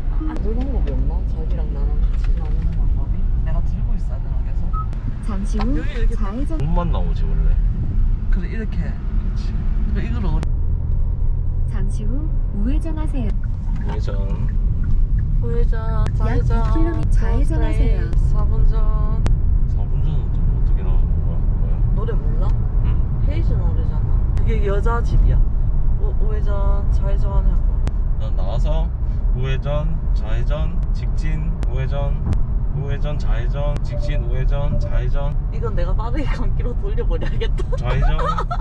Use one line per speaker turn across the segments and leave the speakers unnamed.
물 방법이 없나? 자기랑 나랑 같이 나누는 방법이? 내가 들고 있어야 되나 계속?
잠시 후
여기 이렇게
좌회전.
몸만 나오지 원래.
그래 이렇게.
그렇지.
그래 이걸
잠시 후 우회전하세요.
우회전.
우회전, 좌회전,
2km 좌회전하세요.
4분 전.
4분 전은 또 어떻게 나오는 거야? 뭐야?
노래 몰라?
응.
헤이즈 노래잖아. 그게 여자 집이야. 우회전, 좌회전 하고.
난 나와서 우회전, 좌회전, 직진, 우회전, 좌회전, 직진, 우회전, 좌회전,
이건 내가 빠르게 감기로 돌려버려야겠다.
좌회전.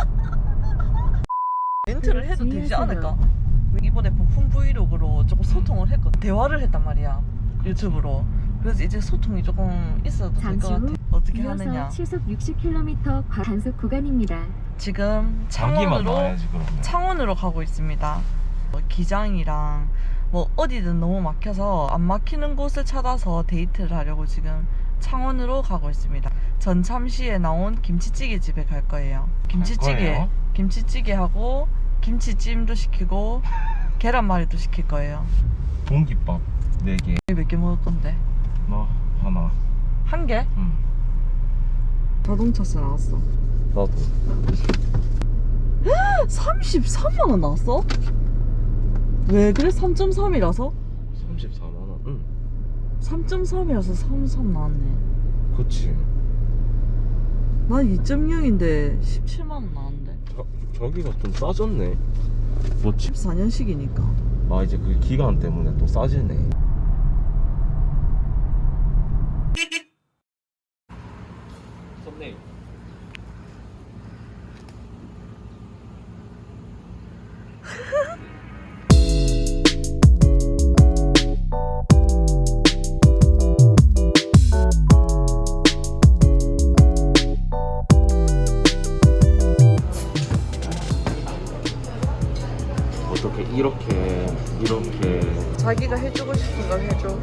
멘트를 해도 되지
주의하세요.
않을까? 이번에 부품 브이로그로 조금 소통을 했거든. 대화를 했단 말이야. 유튜브로. 그래서 이제 소통이 조금 있어도 될 것
잠시
같아.
후
어떻게
이어서
하느냐.
시속 60km 단속 구간입니다.
지금
자기만
창원으로
나와야지 그러면.
창원으로 가고 있습니다. 기장이랑 뭐 어디든 너무 막혀서 안 막히는 곳을 찾아서 데이트를 하려고 지금 창원으로 가고 있습니다. 전참시에 나온 김치찌개 집에 갈 거예요.
거예요?
김치찌개하고 김치찜도 시키고 계란말이도 시킬 거예요.
공깃밥 4개.
몇 개 먹을 건데?
나 하나.
한 개?
응.
자동차세 나왔어.
나도.
33만 원 나왔어? 왜 그래? 3.3이라서?
34만 원. 응.
3.3이라서 33 나왔네.
그렇지.
난 2.0인데 17만 원 나왔는데.
저기가 좀 싸졌네. 뭐지?
14년식이니까.
아 이제 그 기간 때문에 또 싸지네. 썸네일. 어떻게 이렇게
자기가 해주고 싶은 걸 해줘.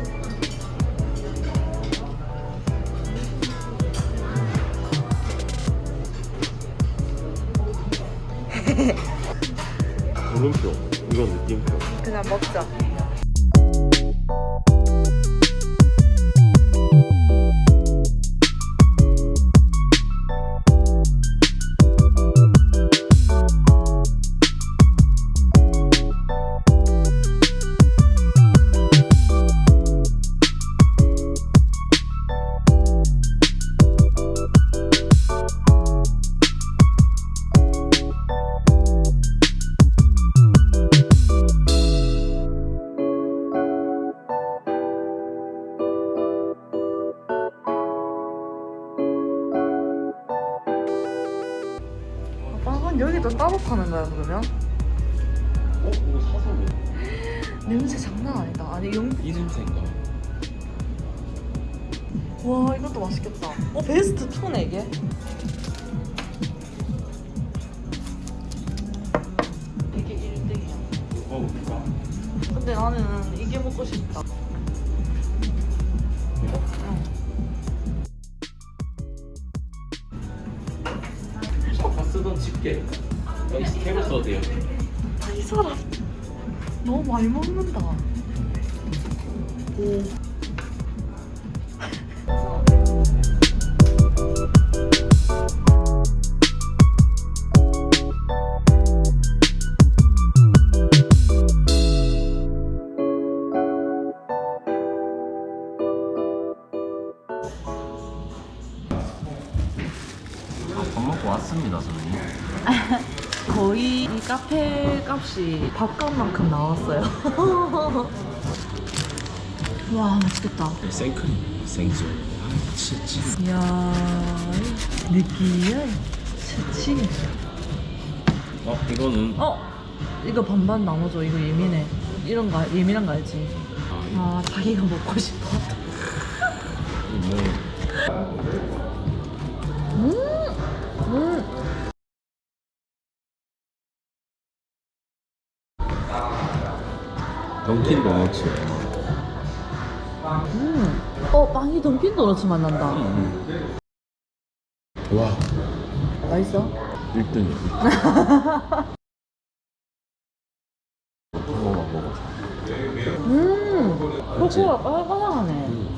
물음표 이건 느낌표.
그냥 먹자. 빵은 여기도 따로 파는 거야 그러면?
이거 사서 뭐?
냄새 장난 아니다. 아니
이 냄새인가?
와 이것도 맛있겠다. 베스트 2네 이게. 이게 1등이야.
먹어볼까?
근데 나는 이게 먹고 싶다.
아까 쓰던 집게 여기 스텝을 써도 돼요.
이 사람 너무 많이 먹는다. 오.
밥 먹고 왔습니다 저희.
거의 이 카페 값이 밥값만큼 나왔어요. 와 맛있겠다.
생크림, 생수, 치즈.
이야 느끼해. 치치.
이거는
이거 반반 나눠줘. 이거 예민해. 이런 거 예민한 거 알지? 아 자기가 먹고 싶어.
던킨 도너츠.
빵이 던킨 도너츠 맛난다.
와,
맛있어?
1등이야. 먹어봐.
코코가 빨간하네.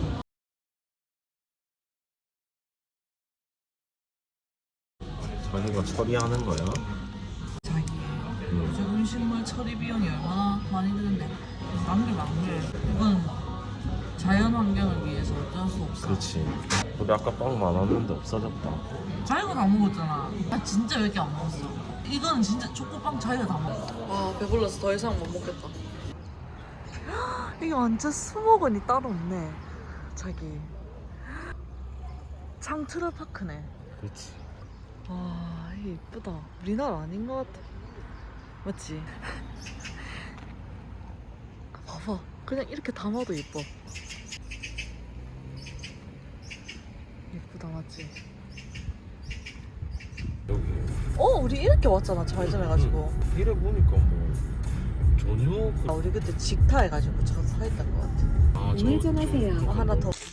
자기가 처리하는 거야?
자기 요즘 음식물 처리 비용이 얼마나 많이 드는데 남게 이건 자연 환경을 위해서 어쩔 수 없어.
그렇지. 우리 아까 빵 많았는데 없어졌다.
자기가 다 먹었잖아. 나 진짜 몇 개 안 먹었어. 이거는 진짜 초코빵 자기가 다 먹었어. 와 배불러서 더 이상 못 먹겠다. 이게 완전 수목원이 따로 없네. 자기 창트라파크네.
그렇지.
와 이게 이쁘다. 우리나라 아닌 것 같아. 맞지? 봐봐 그냥 이렇게 담아도 예뻐. 예쁘다 맞지?
여기.
우리 이렇게 왔잖아 좌회전 해가지고.
이래 보니까 뭐 전혀
우리 그때 직타 해가지고 저 서 있던 것 같아.
아,
우회전하세요.
하나 더.